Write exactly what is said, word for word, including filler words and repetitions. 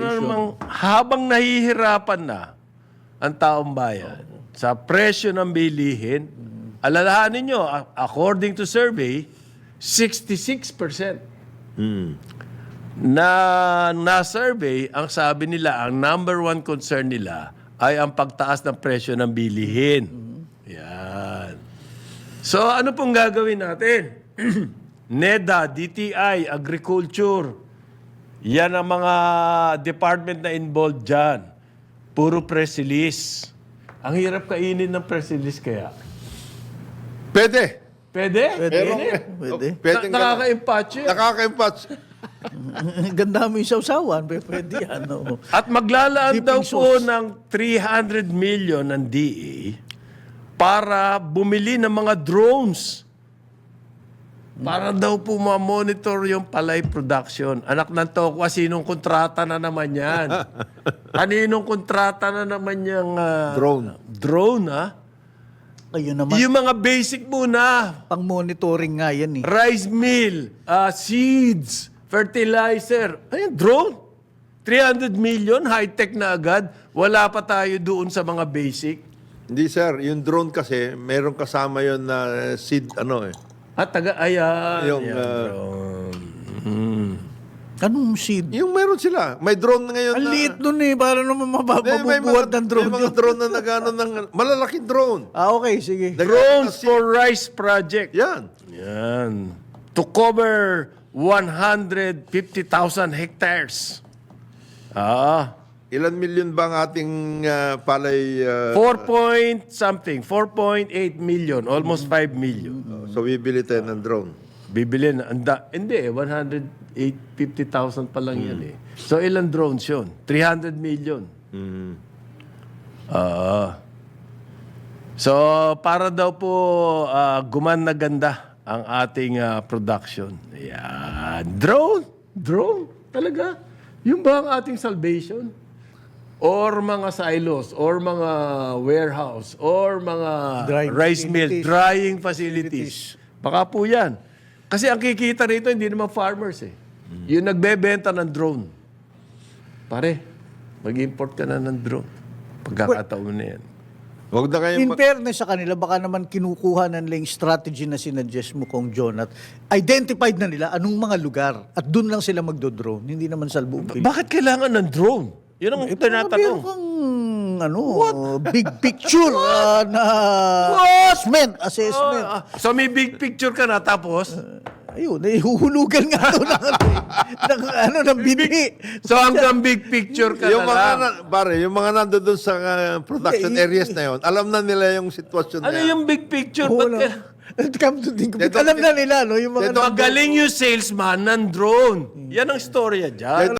na namang habang nahihirapan na ang taong bayan sa presyo ng bilihin, alalahanin nyo, a- according to survey, sixty-six percent na na-survey, ang sabi nila, ang number one concern nila ay ang pagtaas ng presyo ng bilihin. Yan. So, ano pong gagawin natin? NEDA, D T I, Agriculture, yan ang mga department na involved dyan. Puro press release. Ang hirap kainin ng press release kaya. Pwede. Pwede? Pwede. Pero, Pwede. Pwede Na, nakaka-impatch yun. Nakaka-impatch. Ganda mo yung sausawan. Pwede, pwede yan. oo. At maglalaan Dipping daw po sauce. ng three hundred million ng D A para bumili ng mga drones. Para daw po ma-monitor yung palay production. Anak ng tokwa, sinong kontrata na naman yan? Kaninong kontrata na naman yung ah, Drone. drone, ha? Ayun naman. Yung mga basic muna. Pang-monitoring nga yan eh. Rice mill, ah, seeds, fertilizer. Ayun, drone. three hundred million, high-tech na agad. Wala pa tayo doon sa mga basic. Hindi sir, yung drone kasi, meron kasama yun na seed, ano eh. At taga, ayan. Yung, ayan, ah, drone. Mm. Anong seed? Yung meron sila. May drone ngayon Ang na... liit nun eh. Para naman mabab- Hindi, may mabubuhat mga, ng drone may mga yun. drone na nagano ng... Malalaking drone. Ah, okay. Sige. Drones for Rice Project. Yan. Yan. To cover one hundred fifty thousand hectares. Ah. Ilan milyon ba ang ating ah, palay... ah, four point something. four point eight million. Almost five million. so, bibili tayo ng drone. Bibili na. Anda, hindi eh. one hundred fifty thousand pa lang yan eh. So, ilan drones yun? three hundred million. Mm. Ah. So, para daw po ah, guman na ganda ang ating ah, production. Yan. Drone? Drone? Talaga? Yung ba ang ating salvation? Or mga silos, or mga warehouse, or mga Drying rice mill, facilities. drying facilities. Baka po yan. Kasi ang kikita rito, hindi naman farmers eh. Yung nagbebenta ng drone. Pare, mag-import ka na ng drone. Pagkakataon na yan. Huwag na kayo... In ma- fairness sa kanila, baka naman kinukuha na nila yung strategy na sinuggest mo kong John at identified na nila anong mga lugar at doon lang sila magdo-drone. Hindi naman sa buong Pilipinas. Bakit kailangan ng drone? Yun ang Meron tinatanong. kang ano, big picture ah, na assessment. assessment. Ah, so may big picture ka na tapos, Ayun, nahihuhulugan nga ito ng, ano, eh, ng, ano, ng bini. so hanggang big picture ka yung na mga, lang. na, pare, yung mga nandoon sa ah, production Hindi, areas na yun, alam na nila yung sitwasyon Ano na yan. yung big picture? Oo, Ba't no. ka- Come to think of They it, don't- alam na nila, no? Yung mga they don't- Magaling yung salesman ng drone. Yan ang storya dyan.